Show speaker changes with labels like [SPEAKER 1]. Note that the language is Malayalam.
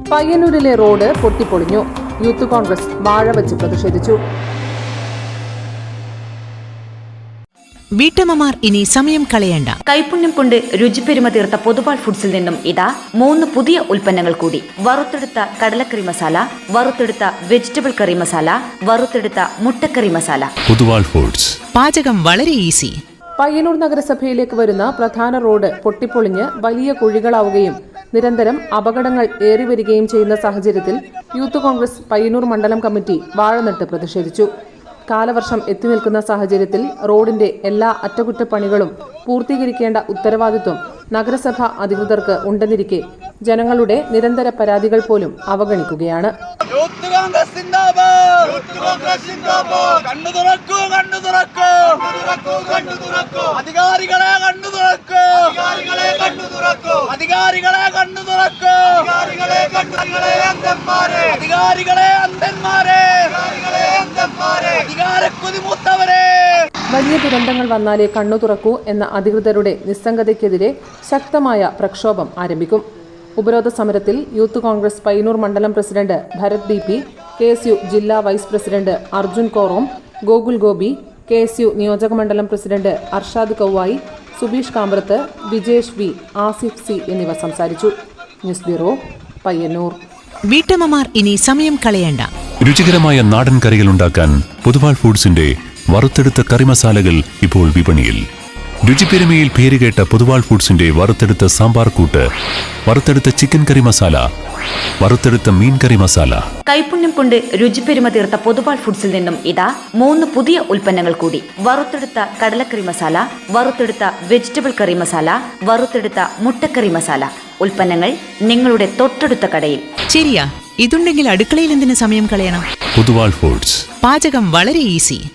[SPEAKER 1] പയ്യന്നൂരിലെ റോഡ് പൊട്ടിപ്പൊളിഞ്ഞു. യൂത്ത് കോൺഗ്രസ് വാഴ വച്ച് പ്രതിഷേധിച്ചു.
[SPEAKER 2] വീട്ടമ്മമാർ ഇനി സമയം കളയണ്ട.
[SPEAKER 3] കൈപുണ്യം കൊണ്ട് രുചിപ്പെരുമ തീർത്ത പൊതുവാൾ ഫുഡ്സിൽ നിന്നും ഇതാ 3 പുതിയ ഉൽപ്പന്നങ്ങൾ കൂടി. വറുത്തെടുത്ത കടലക്കറി മസാല, വറുത്തെടുത്ത വെജിറ്റബിൾ കറി മസാല, വറുത്തെടുത്ത മുട്ടക്കറി മസാല.
[SPEAKER 4] പൊതുവാൾ ഫുഡ്സ്.
[SPEAKER 2] പാചകം വളരെ ഈസി.
[SPEAKER 1] പയ്യന്നൂർ നഗരസഭയിലേക്ക് വരുന്ന പ്രധാന റോഡ് പൊട്ടിപ്പൊളിഞ്ഞ് വലിയ കുഴികളാവുകയും നിരന്തരം അപകടങ്ങൾ ഏറിവരികയും ചെയ്യുന്ന സാഹചര്യത്തിൽ യൂത്ത് കോൺഗ്രസ് പയ്യന്നൂർ മണ്ഡലം കമ്മിറ്റി വാഴ നട്ട് പ്രതിഷേധിച്ചു. കാലവർഷം എത്തി നിൽക്കുന്ന സാഹചര്യത്തിൽ റോഡിന്റെ എല്ലാ അറ്റകുറ്റപ്പണികളും പൂർത്തീകരിക്കേണ്ട ഉത്തരവാദിത്വം നഗരസഭ അധികൃതർക്ക് ഉണ്ടെന്നിരിക്കെ ജനങ്ങളുടെ നിരന്തര പരാതികൾ പോലും അവഗണിക്കുകയാണ്. വലിയ ദുരന്തങ്ങൾ വന്നാലേ കണ്ണു തുറക്കൂ എന്ന അധികൃതരുടെ നിസ്സംഗതയ്ക്കെതിരെ ശക്തമായ പ്രക്ഷോഭം ആരംഭിക്കും. ഉപരോധ സമരത്തിൽ യൂത്ത് കോൺഗ്രസ് പയ്യന്നൂർ മണ്ഡലം പ്രസിഡന്റ് ഭരത് DP, KSU ജില്ലാ vice president Arjun Korom, Gokul Gopi, KSU നിയോജക മണ്ഡലം president Arshad Kauvayi, Subeesh Kambrath, Vijesh V, Asif C എന്നിവർ സംസാരിച്ചു. News bureau, Payyanur.
[SPEAKER 2] വീട്ടമ്മമാർ ഇനി സമയം കളയണ്ട.
[SPEAKER 4] രുചികരമായ നാടൻ കറികൾ ഉണ്ടാക്കാൻ പൊതുവാൾ ഫുഡ്സിന്റെ വറുത്തെടുത്ത കറിമസാലകൾ ഇപ്പോൾ വിപണിയിൽ. രുചിപ്പെരുമയിൽ പേരുകേട്ട പൊതുവാൾ ഫുഡ്സിന്റെ വറുത്തെടുത്ത സാമ്പാർ കൂട്ട്, വറുത്തെടുത്ത ചിക്കൻ കറി മസാല, വറുത്തെടുത്ത മീൻ കറി മസാല.
[SPEAKER 3] കൈപുണ്യം കൊണ്ട് രുചിപ്പെരുമ തീർത്ത പൊതുവാൾ ഫുഡ്സിൽ നിന്നും ഇതാ 3 പുതിയ ഉൽപ്പന്നങ്ങൾ കൂടി. വറുത്തെടുത്ത കടലക്കറി മസാല, വറുത്തെടുത്ത വെജിറ്റബിൾ കറി മസാല, വറുത്തെടുത്ത മുട്ടക്കറി മസാല. ഉൽപ്പന്നങ്ങൾ നിങ്ങളുടെ തൊട്ടടുത്ത കടയിൽ.
[SPEAKER 2] ശരിയാ, ഇതുണ്ടെങ്കിൽ അടുക്കളയിൽ എന്തിനു സമയം കളയണം?
[SPEAKER 4] പൊതുവാൾ ഫുഡ്സ്.
[SPEAKER 2] പാചകം വളരെ ഈസി.